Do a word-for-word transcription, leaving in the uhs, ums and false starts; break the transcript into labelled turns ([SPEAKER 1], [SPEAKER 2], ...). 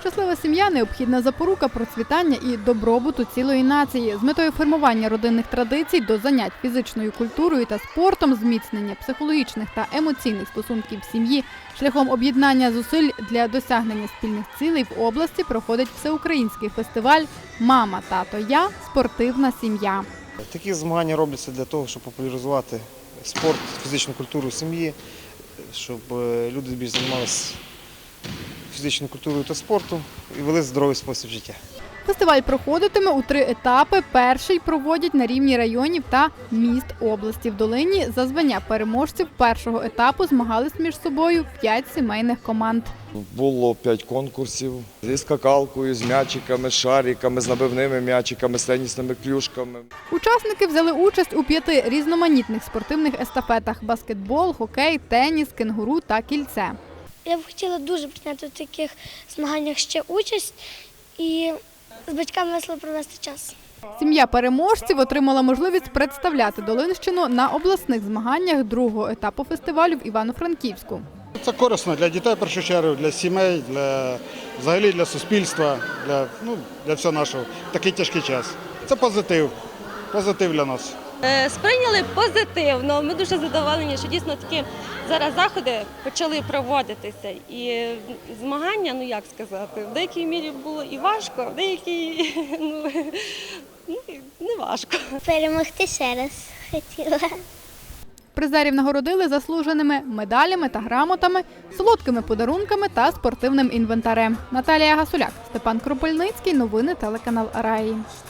[SPEAKER 1] Щаслива сім'я – необхідна запорука процвітання і добробуту цілої нації. З метою формування родинних традицій до занять фізичною культурою та спортом, зміцнення психологічних та емоційних стосунків в сім'ї, шляхом об'єднання зусиль для досягнення спільних цілей в області проходить всеукраїнський фестиваль «Мама, тато, я. Спортивна сім'я».
[SPEAKER 2] Такі змагання робляться для того, щоб популяризувати спорт, фізичну культуру в сім'ї, щоб люди більш займалися фізичною культурою та спортом і вели здоровий спосіб життя.
[SPEAKER 1] Фестиваль проходитиме у три етапи. Перший проводять на рівні районів та міст області. В Долині за звання переможців першого етапу змагались між собою п'ять сімейних команд.
[SPEAKER 3] Було п'ять конкурсів зі скакалкою, з м'ячиками, з шариками, з набивними м'ячиками, з тенісними клюшками.
[SPEAKER 1] Учасники взяли участь у п'яти різноманітних спортивних естафетах – баскетбол, хокей, теніс, кенгуру та кільце.
[SPEAKER 4] Я б хотіла дуже прийняти в таких змаганнях ще участь і з батьками весело провести час.
[SPEAKER 1] Сім'я переможців отримала можливість представляти Долинщину на обласних змаганнях другого етапу фестивалю в Івано-Франківську.
[SPEAKER 5] Це корисно для дітей, в першу чергу, для сімей, для, взагалі для суспільства, для, ну, для всього нашого. Такий тяжкий час. Це позитив, позитив для нас.
[SPEAKER 6] Сприйняли позитивно. Ми дуже задоволені, що дійсно такі зараз заходи почали проводитися. І змагання, ну як сказати, в деякій мірі було і важко, в деякій ну, не важко.
[SPEAKER 4] Перемогти ще раз хотіла.
[SPEAKER 1] Призерів нагородили заслуженими медалями та грамотами, солодкими подарунками та спортивним інвентарем. Наталія Гасуляк, Степан Кропельницький. Новини телеканал Раї.